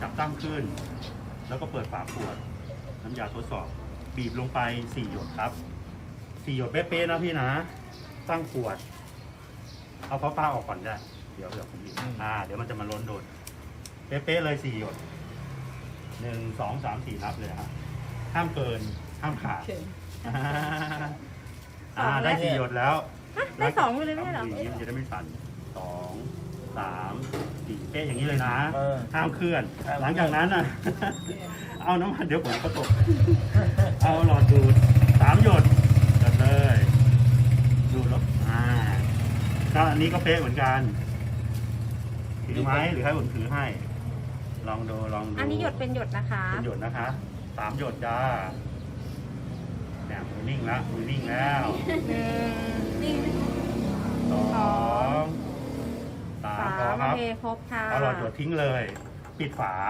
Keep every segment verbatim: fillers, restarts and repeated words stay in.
จับตั้งขึ้น แล้วก็เปิดฝาขวดน้ำยาทดสอบบีบลงไปสี่หยดครับสี่หยดเป๊ะๆนะพี่นะตั้งขวดเอาฟ้าฟ้าออกก่อนได้เดี๋ยวเดี๋ยวผมบีบอ่าเดี๋ยวมันจะมาล้นโดนเป๊ะๆเลยสี่หยดหนึ่งสองสามสี่นับเลยครับห้ามเกินห้ามขาดอ่าได้สี่หยดแล้วได้สองไปเลยไม่ใช่เหรออย่างนี้มันจะได้ไม่สั่นสองสามสี่เป๊ะอย่างนี้เลยนะเออห้ามเคลื่อน หลังจากนั้นอ่ะ เอาน้ำมันเดี๋ยวผมก็ตก เอาหลอดดูดสามหยดกันเลยดูดแล้วอ่าก็อันนี้ก็เป๊ะเหมือนกันถือไหมหรือให้ผมถือให้ ลองดูลองดูอันนี้หยดเป็นหยดนะคะเป็นหยดนะคะสามหยดจ้าเนี่ยมือนิ่งแล้วมือนิ่งแล้วหนึ่งนิ่งสองสาสามพอมครับโอเคครบค่ะเอาหลอดหยดทิ้งเลย ปิดฝา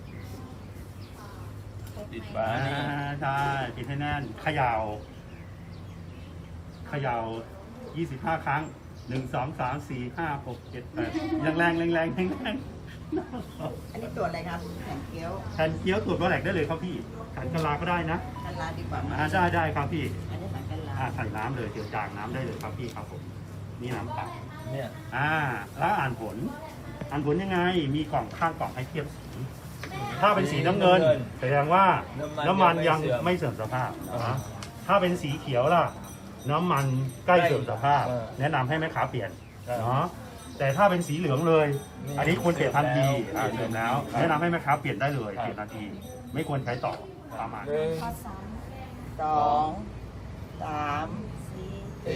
ปิดฝาอ่านี่ใช่ปิดให้แน่นเขย่าเขย่ายี่สิบห้าครั้งหนึ่งสองสามสี่ห้าหกเจ็ดแปดแรงแรงแรงแรงแรงแรงอันนี้ตัวอะไรครับแผ่นเกี๊ยวแทนเคี้ยวตรวจว่าแหลกได้เลยครับพี่ขันกะลาก็ได้นะกันลาดีกว่าไหมอ่าได้ได้ครับพี่อันนี้หมันกันลาอ่าใส่น้ำเลยเดี๋ยวจางน้ำได้เลยครับพี่ครับผม นี่น้ำเปล่าเนี่ยอ่า แล้วอ่านผล อ่านผลยังไง มีกล่องข้างกล่องให้เทียบสี ถ้าเป็นสีน้ำเงินแสดงว่าน้ำมันยังไม่เสื่อมสภาพนะถ้าเป็นสีเขียวล่ะ น้ำมันใกล้เสื่อมสภาพ แนะนำให้แม่ค้าเปลี่ยนเนาะ แต่ถ้าเป็นสีเหลืองเลย อันนี้ควรเปลี่ยนทันทีอ่าเสร็จแล้ว แนะนำให้แม่ค้าเปลี่ยนได้เลย เปลี่ยนทันที ไม่ควรใช้ต่อประมาณหนึ่งสองสามสี่สี่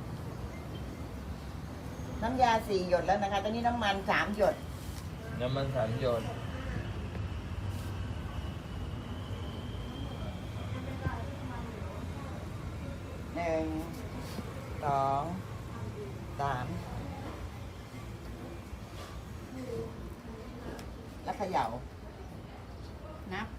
น้ำยาสี่หยดแล้วนะคะ ตอนนี้น้ำมันสามหยดน้ำมันสามหยดหนึ่งสองสามแล้วเขย่านับ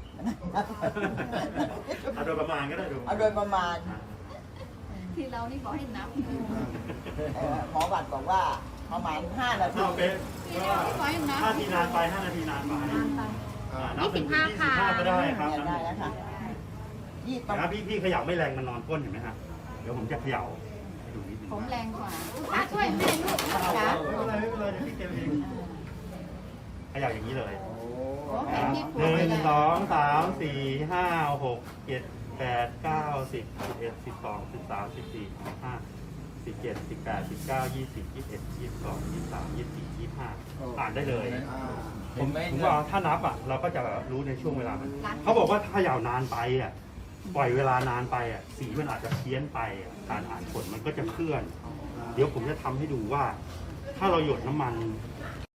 เอาโดยประมาณก็ได้ดูเอาโดยประมาณที่เรานี่บอกให้นับเอ่อหมอบัตรบอกว่าประมาณห้านาทีเอาเป็นที่เรานี่บอกให้นับห้านาทีนานไปห้านาทีนานไปอ่านับถึงยี่สิบห้าก็ได้ครับเนี่ยได้แล้วค่ะยี่สิบนะพี่พี่เขย่าไม่แรงมันนอนก้นเห็นไหมฮะเดี๋ยวผมจะเขย่าให้ดูนิดนึงผมแรงกว่าอ่ะช่วยแม่ลูกนะเอาจ๊ะไม่เป็นไรไม่เป็นไรเดี๋ยวพี่เก็บเองเขย่าอย่างนี้เลยโอ้แผ่นที่หผูกไปนึ่งแล้วสองสามสี่ห้าหกเจ็ดแปดเก้าสิบสิบเอ็ดสิบสองสิบสามสิบสี่สิบห้าสิบเจ็ดสิบแปดสิบเก้ายี่สิบยี่สิบเอ็ดยี่สิบสองยี่สิบสามยี่สิบสี่ยี่สิบห้าอ่านได้เลย ผเห็มนไหมผมว่าถ้านับอ่ะเราก็จะรู้ในช่วงเวลามันเขาบอกว่าถ้าเขย่านานไปอ่ะปล่อยเวลานานไปอ่ะสีมันอาจจะเพี้ยนไปอ่ะการอ่านผลมันก็จะเคลื่อน เดี๋ยวผมจะทำให้ดูว่า ถ้าเราหยดน้ำมัน